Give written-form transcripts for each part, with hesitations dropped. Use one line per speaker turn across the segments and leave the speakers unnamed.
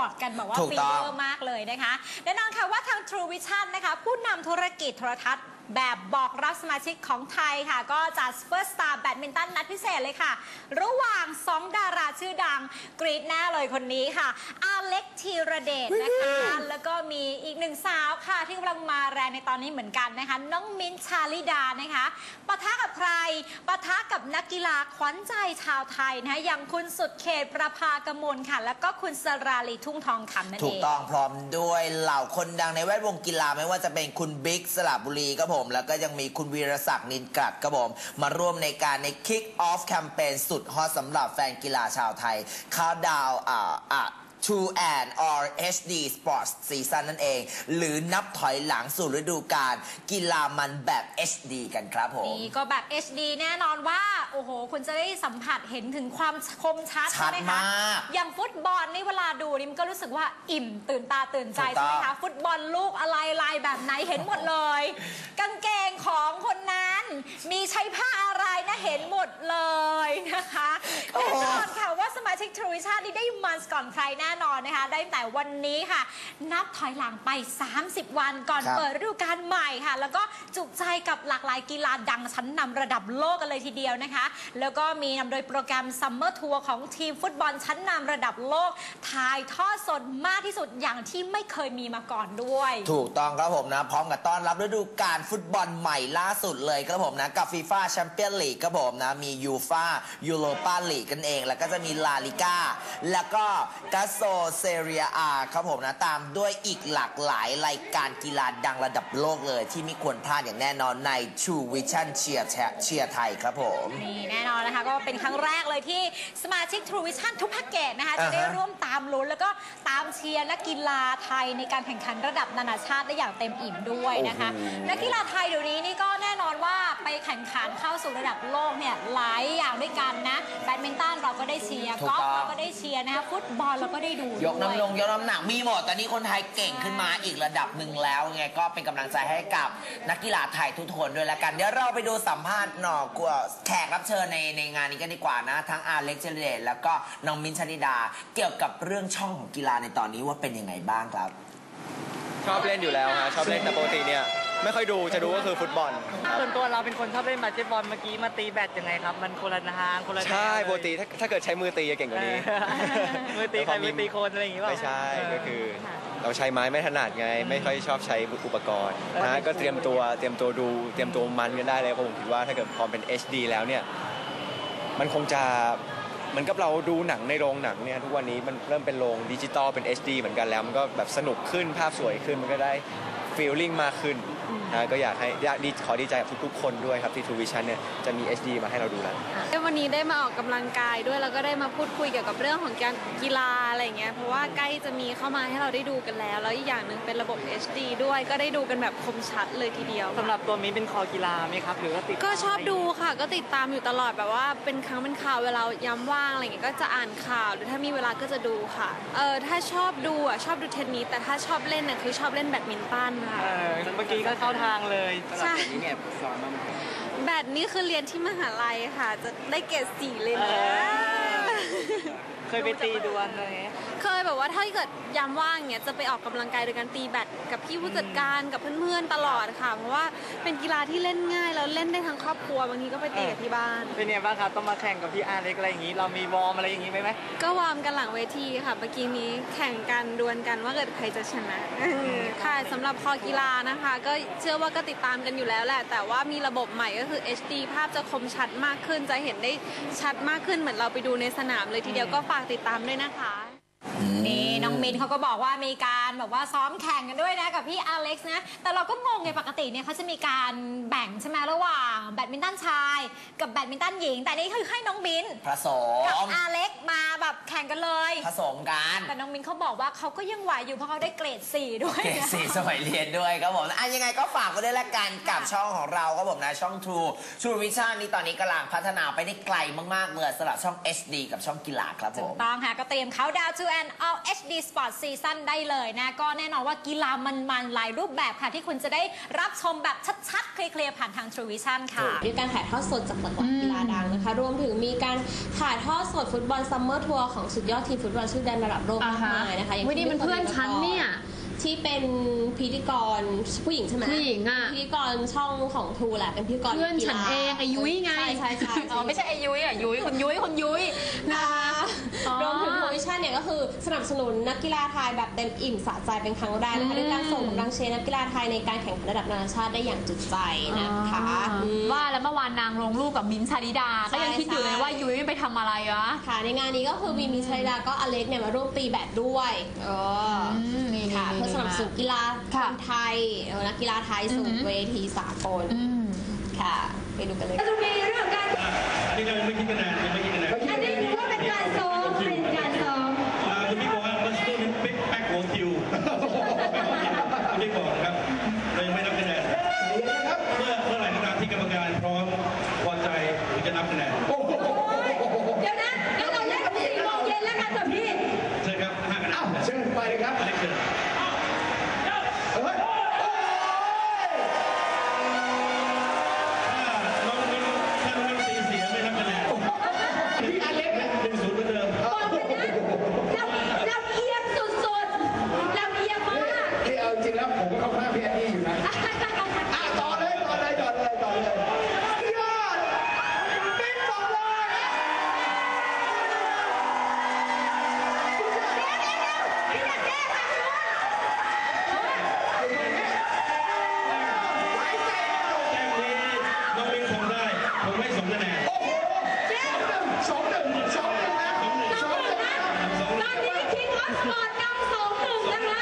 ปอดกันแบบว่าฟีเวอร์มากเลยนะคะแน่นอนค่ะว่าทาง True Vision นะคะผู้นำธุรกิจโทรทัศน์แบบบอกรับสมาชิกของไทยค่ะก็จัด First Star แบดมินตันนัดพิเศษเลยค่ะระหว่าง2ดาราชื่อดังกรี๊ดแน่เลยคนนี้ค่ะอาเล็กธีรเดชนะคะแล้วก็มีอีกหนึ่งสาวค่ะที่กำลังมาแรงในตอนนี้เหมือนกันนะคะน้องมิ้นท์ชาลิดานะคะปะทะกับใครปะทะกับนักกีฬาขวัญใจชาวไทยนะคะอย่างคุณสุดเขตประภากมลค่ะแล้วก็คุณสราลีทุ่งทองคำนั่นเองถูก
ต้องพร้อมด้วยเหล่าคนดังในแวดวงกีฬาไม่ว่าจะเป็นคุณบิ๊กสระบุรีครับผมแล้วก็ยังมีคุณวีรศักดิ์นินกลัดครับผมมาร่วมในการใน Kick Off แคมเปญสุดฮอตสำหรับแฟนกีฬาชาวไทยคาวดาวTrue and or HD Sports Season นั่นเองหรือนับถอยหลังสู่ฤดูกาลกีฬามันแบบ HD กันครับผม
นี่ก็แบบ HD แน่นอนว่าโอ้โหคุณจะได้สัมผัสเห็นถึงความคมชัดใช่ไหมคะอย่างฟุตบอลนี่เวลาดูนี่มันก็รู้สึกว่าอิ่มตื่นตาตื่นใจใช่ไหมคะฟุตบอลลูกอะไรลายแบบไหนเห็นหมดเลยกางเกงของคนนั้นมีใช้ผ้าอะไรนะเห็นหมดเลยนะคะแน่นอนค่ะว่าสมาชิก True Vision นี่ได้มันก่อนใครแน่นอนนะคะได้แต่วันนี้ค่ะนับถอยหลังไป30วันก่อนเปิดฤดูกาลใหม่ค่ะแล้วก็จุใจกับหลากหลายกีฬาดังชั้นนำระดับโลกกันเลยทีเดียวนะคะแล้วก็มีนำโดยโปรแกรมซัมเมอร์ทัวร์ของทีมฟุตบอลชั้นนำระดับโลกถ่ายทอดสดมากที่สุดอย่างที่ไม่เคยมีมาก่อนด้วย
ถูกต้องครับผมนะพร้อมกับต้อนรับฤดูกาลฟุตบอลใหม่ล่าสุดเลยครับผมนะกับฟีฟ่าแชมเปี้ยนลีกครับผมนะมียูฟ่ายูโรปาลีกกันเองแล้วก็จะมีลาลิก้าแล้วก็กาโซเซเรียอาครับผมนะตามด้วยอีกหลากหลายรายการกีฬาดังระดับโลกเลยที่ไม่ควรพลาดอย่างแน่นอนใน True Vision เชียร์ไทยครับผม
นี่แน่นอนนะคะก็เป็นครั้งแรกเลยที่สมาชิก True Vision ทุกแพ็กเกจนะคะจะได้ร่วมตามลุ้นแล้วก็ตามเชียร์นักกีฬาไทยในการแข่งขันระดับนานาชาติได้อย่างเต็มอิ่มด้วยนะคะนักกีฬาไทยเดี๋ยวนี้นี่ก็แน่นอนว่าไปแข่งขันเข้าสู่ระดับโลกเนี่ยหลายอย่างด้วยกันนะแบดมินตันเราก็ได้เชียร์กอล์ฟเราก็ได้เชียร์นะคะฟุตบอลเราก็ได้ดู
ยกน้ำหนักมีหมดตอนนี้คนไทยเก่งขึ้นมาอีกระดับหนึ่งแล้วไงก็เป็นกำลังใจให้กับนักกีฬาไทยทุกคนด้วยละกันเดี๋ยวเราไปดูสัมภาษณ์แขกรับเชิญในงานนี้กันดีกว่านะทั้งอาเล็กเจเดตแล้วก็น้องมิ้นท์ชลิดาเกี่ยวกับเรื่องช่องของกีฬาในตอนนี้ว่าเป็นยังไงบ้างครับ
ชอบเล่นอยู่แล้วฮะชอบเล่นแต่ปกติเนี่ยไม่ค่อยดูจะดูก็คือฟุตบอล
ส่วนตัวเราเป็นคนชอบเล่นบาสเกตบอลเมื่อกี้มาตีแบดยังไงครับมันคนละทางคนละ
ใช่ปกติถ้าเกิดใช้มือตีจะเก่งกว่านี้
มือตีใครมือตีคนอะไรอย่างงี้ป่ะ
ไม่ใช่ก็คือเราใช้ไม้ไม่ถนัดไงไม่ค่อยชอบใช้อุปกรณ์นะก็เตรียมตัวดูเตรียมตัวมันกันได้เลยเพราะผมคิดว่าถ้าเกิดพอเป็น HD แล้วเนี่ยมันคงจะเหมือนกับเราดูหนังในโรงหนังเนี่ยทุกวันนี้มันเริ่มเป็นโรงดิจิตอลเป็น HD เหมือนกันแล้วมันก็แบบสนุกขึ้นภาพสวยขึ้นมันก็ได้ฟีลลิ่งมากขึ้นนะก็ขอดีใจกับทุกๆคนด้วยครับที่ True Vision เนี่ยจะมี HD มาให้เราดูแล้ว
วันนี้ได้มาออกกำลังกายด้วยแล้วก็ได้มาพูดคุยเกี่ยวกับเรื่องของการกีฬาอะไรเงี้ยเพราะว่าใกล้จะมีเข้ามาให้เราได้ดูกันแล้วอีกอย่างหนึ่งเป็นระบบ HD ด้วยก็ได้ดูกันแบบคมชัดเลยทีเดียว
สำหรับตัวมิ้นเป็นคอกีฬาไหมครับหรือว่าติด
ก็ชอบดูค่ะก็ติดตามอยู่ตลอดแบบว่าเป็นครั้งเป็นข่าวเวลาย้ำว่างอะไรเงี้ยก็จะอ่านข่าวหรือถ้ามีเวลาก็จะดูค่ะถ้าชอบดูชอบดูเทนนิสแต่ถ้าชอบเล่นน่ะคือชอบเล่นแบดมินตันค่ะ
เมื่อกี้ก็เข้าทางเลย
ใช่แบดนี่คือเรียนที่มหาลัยค่ะจะได้เกรด 4เลยนะ
เคยไปตีดวลเลย
เคยแบบว่าถ้าเกิดยามว่างเนี้ยจะไปออกกำลังกายโดยการตีแบดกับพี่ผู้จัดการกับเพื่อนๆตลอดค่ะเพราะว่าเป็นกีฬาที่เล่นง่ายแล้วเล่นได้ทั้งครอบครัวบางทีก็ไปตีกับที่บ้าน
เป็นไงบ้างครับต้องมาแข่งกับพี่อาเล็กอะไรอย่างนี้เรามีวอร์มอะไรอย่างนี้ไหม
ก็วอร์มกันหลังเวทีค่ะเมื่อกี้นี้แข่งกันดวลกันว่าเกิดใครจะชนะค่ะสำหรับคอกีฬานะคะก็เชื่อว่าก็ติดตามกันอยู่แล้วแหละแต่ว่ามีระบบใหม่ก็คือ HD ภาพจะคมชัดมากขึ้นจะเห็นได้ชัดมากขึ้นเหมือนเราไปดูในสนามเลยทีเดียวก็ฝากติดตามด้วยนะคะ
นี่น้องมินเขาก็บอกว่ามีการแบบว่าซ้อมแข่งกันด้วยนะกับพี่อเล็กซ์นะแต่เราก็งงไงปกติเนี่ยเขาจะมีการแบ่งใช่ไหมระหว่างแบดมินตันชายกับแบดมินตันหญิงแต่นี่คือให้น้องมิน
ผสม
กับอเล็กซ์มาแบบแข่งกันเลย
ผสมกัน
แต่น้องมินเขาบอกว่าเขาก็ยังไหวอยู่เพราะเขาได้เกรด 4ด้วย
เกรด 4สมัยเรียนด้วยครับผมยังไงก็ฝากกันด้วยละกันกับช่องของเราครับผมนะช่อง True Vision นี่ตอนนี้กำลังพัฒนาไปได้ไกลมากๆเลยสำหรับช่อง HD กับช่องกีฬาครับผม
ถูกต้องค่ะก็เตรียมเขาดาว to and all HD Sport Season ได้เลยนะก็แน่นอนว่ากีฬามันๆหลายรูปแบบค่ะที่คุณจะได้รับชมแบบชัดๆเคลียร์ๆผ่านทาง True Vision ค่ะ
มีการถ่ายทอดสดจากหลากหลายกีฬาดังนะคะรวมถึงมีการถ่ายทอดสดฟุตบอลซัมเมอร์ทัวร์ของสุดยอดทีมฟุตบอลชื่อดังระดับโลกมากมายนะคะอย่าง
วันนี้มันเพื่อนฉันเนี่ย
ที่เป็นพิธีกรผู้หญิงใช่ไหม
ผู้หญิงอะ
พิธีกรช่องของทูแหละเป็นพิธีกร
เพื่อนฉันเองไอ้ยุ้ยไง
ใช่
อ๋อไม่ใช่ไอ้ยุ้ยอ่ะยุ้ยคุณยุ้ย
นะคะ
อ๋อ
รวมถึงทูวิชั่นเนี่ยก็คือสนับสนุนนักกีฬาไทยแบบเต็มอิ่มสะใจเป็นครั้งแรกนะคะด้วยการส่งกำลังเชียร์นักกีฬาไทยในการแข่งขันระดับนานาชาติได้อย่างจุใจนะคะม
ว่าแล้วเมื่อวานนางลงรูปกับมิ้นท์ชาลิดา ก็ยังคิดอยู่เลยว่ายุ้ยไปทำอะไรวะ
ค่ะในงานนี้ก็คือมีชัยดาก็อเล็กเนี่ยมาร่วมตีแบดด้วย
นี่
ค่ะเพื่อสนับสนุนกีฬาคนไทยนักกีฬาไทยสู่เวทีสากลค่ะไปดูกันเลย
จะมีเรื่องการ
อันนี้ยังไม่คิดคะแนนยังไม่คิดคะแนน
อันนี้ถือว่าเป็นการซ้อมเป็นการซ้อม
คุณพี่บอกว่าเมื่อสักครู่นี้ปิ๊กแป๊กหัวคิวคุณพี่บอกนะครับเรายังไม่นับคะแนนเมื่อไหร่ก็ตามที่กรรมการพร้อมพอใจถึงจะนับคะแนน
เดี๋ยวนะงั้นเราเล่นกัน4 โมงเย็นแล้วกันเถอะพี่
เชิญครับ5 คะแนนเชิญไปเลยครับอเล็กเชิญน้องมิ้นตีเสียไม่นับคะแนนพี่อเล็ก1-0เหมือนเดิม
บอกเลยนะเราเอียงสุดๆเราเอียงมาก
ที่เอาจริงแล้วผมก็เข้าข้างพี่แอนนี่อยู่นะต่อเลยยอดปิ๊กต่อเลย
แต้มนี้น้องมิ้นทำได้ผมให้2 คะแนน
สองหนึ่งนะ
ตอนนี้คิงออฟสปอร์ตนำ2-1นะคะ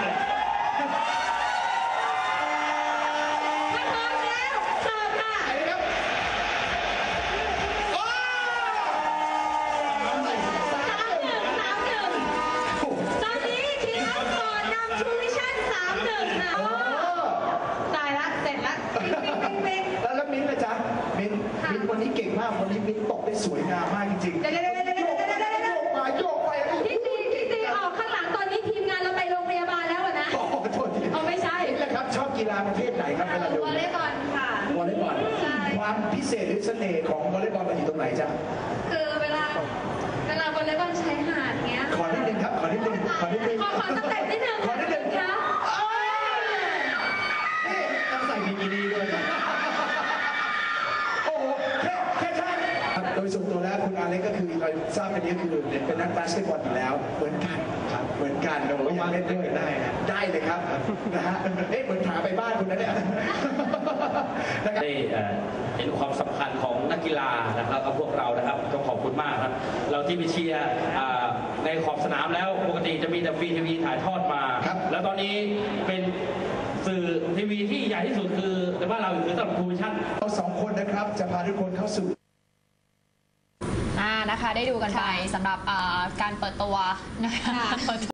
ถ้าพร้อมแล้วเสิร์ฟค่ะ
ไปเลยครับโอ้
3-1 ตอนนี้คิงออฟสปอร์ตนำทูวิชั่น 3-1 ค่ะตายละเสร็จละปิ๊ง
แล้วมิ้นท์นะจ๊ะมิ้นท์วันนี้เก่งมากวันนี้มิ้นท์ตกได้สวยงามมากจริงๆโยกไป
พี่ตีออกข้างหลังตอนนี้ทีมงานเราไปโรงพยาบาลแล้วอะนะ
โอ้โหโทษที
เอาไม่ใช่
นี่แหละครับชอบกีฬาประเภทไหนครับเวลาดู
วอลเลย์บอลค่ะ
วอลเลย์บอล
ใช่
ความพิเศษหรือเสน่ห์ของวอลเลย์บอลมันอยู่ตรงไหนจ๊ะ
คือเวลาวอลเลย์บอลใช้หาดเงี้ย
ขอนิดนึงครับขอนิดนึง
ขอสเต็ปนิดนึง
ขอนิดนึง
ค่ะ
นี่ต้องใส่บิกินี่ด้วยนะโอ้โหแค่ใช่ครับโดยส่วนตัวแล้วคุณอาเล็กก็คือเราทราบกันนี้คือเป็นนักบาสเกตบอลอยู่แล้วเหมือนกันครับเหมือนกันเราอยากเล่นด้วยได้เลยครับนะฮะเหมือนถามไปบ้านคุณนะเนี่ยนะครับ
ได้เห็นความสำคัญของนักกีฬานะครับกับพวกเรานะครับต้องขอบคุณมากครับ เราที่ไปเชียร์ในขอบสนามแล้วปกติจะมีแต่ฟรีทีวีถ่ายทอดมา แล้วตอนนี้เป็นสื่อทีวีที่ใหญ่ที่สุดคือในบ้านเราคือสำหรับทูวิชั่น
เราสองคนนะครับจะพาทุกคนเข้าสู่
นะคะได้ดูกันไปสำหรับการเปิดตัวนะคะ